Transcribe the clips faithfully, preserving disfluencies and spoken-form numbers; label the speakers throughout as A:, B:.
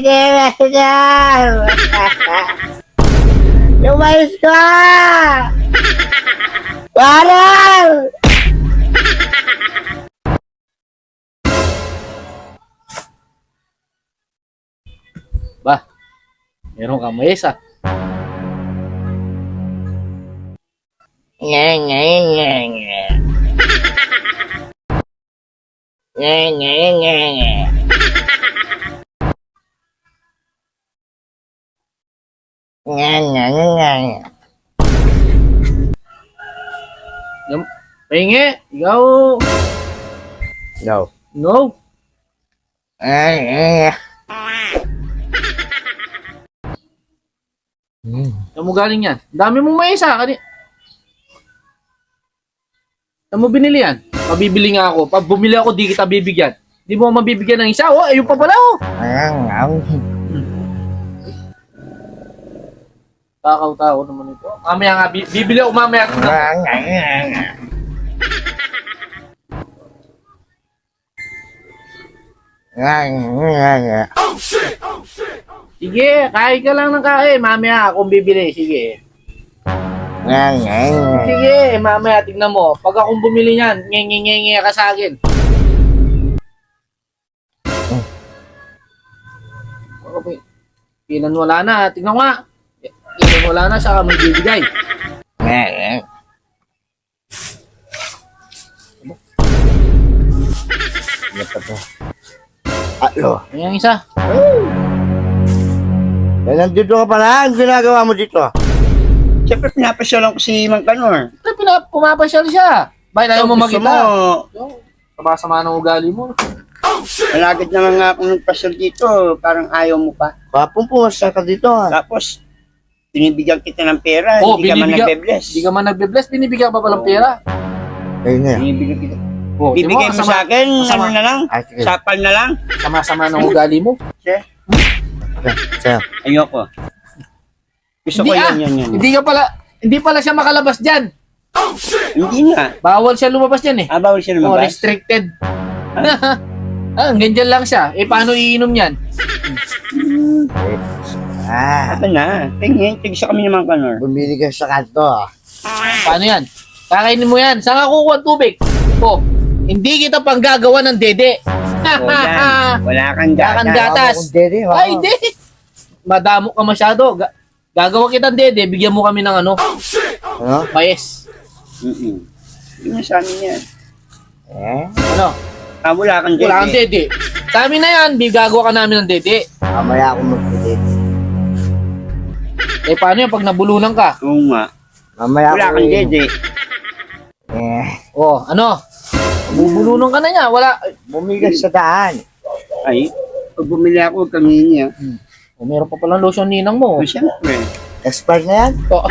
A: Sige, Master! Lumayos ka! Parang!
B: Ba, meron kang mayesa.
A: Nga, nga, nga, nga. Nga, nga, nga, nga. Nga, nga, nga, nga.
B: Yung, pahingi, ikaw,
A: No.
B: no.
A: Nga, nga, nga. Hmm.
B: Saan mo galing yan? Ang dami mong mayesa. Kani... Saan mo binili yan? Mabibili nga ako. Pag bumili ako, di kita bibigyan. Di mo mabibigyan ng isa. Oh, ayun pa pala oh.
A: Nga, nga.
B: Takaw-tao naman ito. Mamaya nga, bi- bibili ako mamaya.
A: Nga, nga, nga, nga. Nga, nga, nga, nga.
B: Sige, kain ka lang ng kain. Mamaya akong bibili. Sige.
A: Nga, nga, nga.
B: Sige, mamaya tignan mo. Pag akong bumili niyan, nge-nge-nge ka sa akin. Okay. Ilan wala na. Tignan mo nga. Ilan wala na, saka may bibigay.
A: Nga, nga. Ano pa to? Alo.
B: Ayan yung isa.
A: Eh, nandito ka pala. Ano ginagawa mo dito?
C: Siyempre, pinapasyalan ko si Mang Kanor.
B: Ito, pinap- pumapasyal siya. Bakit ayaw mo
C: Gusto
B: makita?
C: mo,
B: Yung, sama-sama ng ugali mo.
C: malagad naman nga akong nagpasyal dito. Parang ayaw mo pa.
A: Kapong pumasya ka dito ha.
C: Tapos, binibigyan kita ng pera.
B: Oh,
C: hindi ka man
B: binibigyan-
C: nagbe-bless.
B: Hindi ka man nagbe-bless, binibigyan ka pa palang pera.
A: Ayun na yan.
C: Binibigyan kita.
B: Oh, di
C: Bibigay mo
B: kasama-
C: sa akin,
B: kasama-
C: ano na lang?
A: Ah, sige.
C: Sapal na lang?
B: Sama-sama ng ugali mo.
C: Sir,
A: Sir.
C: ayoko. Gusto
B: Hindi
C: ko
B: ah,
C: yan, yan, yan.
B: Hindi ka pala, hindi pala siya makalabas dyan.
C: Hindi nga.
B: Bawal siya lumabas dyan eh.
C: Ah, bawal siya
B: Oh,
C: lumabas.
B: restricted. Ah, ganyan lang siya. Eh, paano iinom yan?
A: Ah,
C: Ito na. Tingin, tigisa kami ni Mang Kanor.
A: bumili ka sa kanto ah.
B: Paano yan? Kakainin mo yan. Saan ka kukuha ng tubig? Oh, hindi kita pang gagawa ng dede.
C: O yan. Wala kang
B: Wala kang
C: gata.
B: gatas.
A: Ako kung dede, ako.
B: Ay, hindi. Madamo ka masyado. Ga- gagawa kita ng dede, bigyan mo kami ng ano,
A: Ano?
B: mayes.
C: Mm-mm. Hindi mo sa amin yan.
A: Eh?
B: Ano?
C: Ah, wala kang
B: Wala kang
C: dede.
B: dede. Sa amin na yan, bigagawa ka namin ng dede.
A: Mamaya ako magpili.
B: Eh, paano yan pag nabulunan ka?
C: Oo nga.
A: Mamaya
C: Wala
A: ako
C: kang
A: i-
C: dede.
A: Eh,
B: Oh, ano? Bubulunan ka na niya. Wala.
A: bumili ka sa daan.
C: Ay, pag bumili ako, huwag kang hihingi ah.
B: Oh, meron pa palang lotion ninang mo.
C: O, siyempre.
A: Expired na yan?
B: Oh.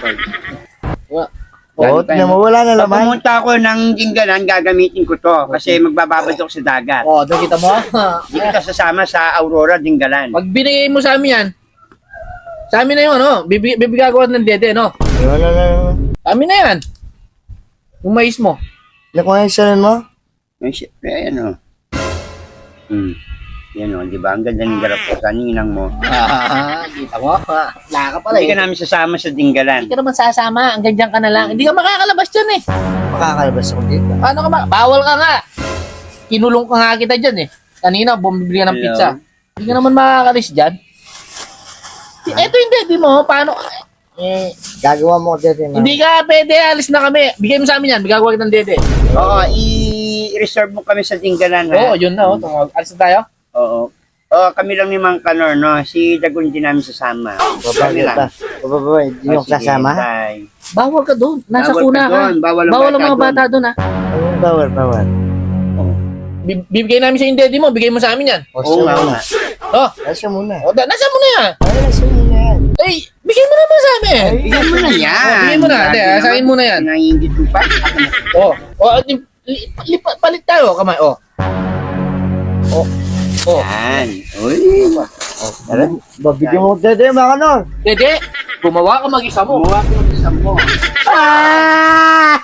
A: Oo,
C: Galing tayo.
A: tingnan mo, wala na
C: Pag
A: laman.
C: pumunta ako ng Jinggalan, gagamitin ko to. Kasi magbababad ako sa dagat.
B: Oh, nakita mo?
C: Hindi kita sasama sa Aurora, Jinggalan.
B: Pag binigay mo sa amin yan, sa amin na yun, ano? Bibig, bibigagawa ng dede, no?
A: Wala na laman.
B: Sa amin na yan. Yung mais mo.
A: Nakuha mo?
C: Ay, siyempre, ayan o. Hmm. Yan o, di ba? Ang ganda ng garap ko sa ninang mo.
B: Ah, kita mo? Ah, wala ka pala
C: Hindi
B: eh.
C: ka namin sasama sa Jinggalan.
B: Hindi ka naman sasama. Ang ganyan ka na lang. Hindi ka makakalabas dyan eh.
A: Makakalabas ako dito.
B: Paano ka ba? Bawal ka nga. Kinulong ka nga kita dyan eh. Kanina, bumibili ka ng
C: Hello?
B: pizza. Hindi ka naman makakalis dyan. Ito yung daddy mo. Paano? Eh,
A: Gagawa mo ko dito.
B: hindi ka pwede. Alis na kami. Bigay mo sa amin yan. Bigagawa kita ng dede.
C: Oo, i-reserve mo kami sa Jinggalan, ha?
B: Oo, yun na. Oh. Tumawag. Alis na tayo.
C: Oo. Oo, kami lang ni Mang Kanor, no? Si Dagon din namin sasama.
A: Baba,
C: Kami
A: baba.
C: lang.
A: Baba, baba. Hindi
C: Oh,
A: yung
C: sige,
A: sasama.
C: bye.
B: Bawal ka doon. Nasa
C: Bawal
B: kuna
C: ka
B: ka.
C: doon. Bawal ang
B: Bawal ang
C: bata
B: mga bata doon ha.
A: Anong bawal, bawal?
B: Bi- Bibigay namin sa yung daddy mo. Bigay mo sa amin yan.
A: O,
C: Oo
A: siya
C: nga, oo
A: muna.
C: nga.
B: Oh,
A: Ay, siya muna.
B: oh da- nasa mo na yan.
A: Ay, siya muna yan.
B: Ay, bigay mo naman sa amin.
C: Bigyan mo na yan.
B: Oh, bigyan mo na. Ate,
C: Grabe
B: asahin
C: naman.
B: mo na yan.
C: Nangingit mo pa.
B: Oh, oh, li- li- lipat, palit tayo. Kamay, oh. Oh, oh.
C: Yan. Uy.
A: Tara, babigyan mo ko dito, mga kanor.
B: Dede, gumawa ka mag-isa mo.
C: Kumuha ko ng isang mo.
A: Ah!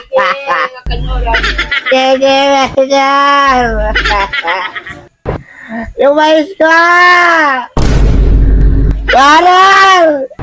A: Dede, Master! Lumayas ka! Carol!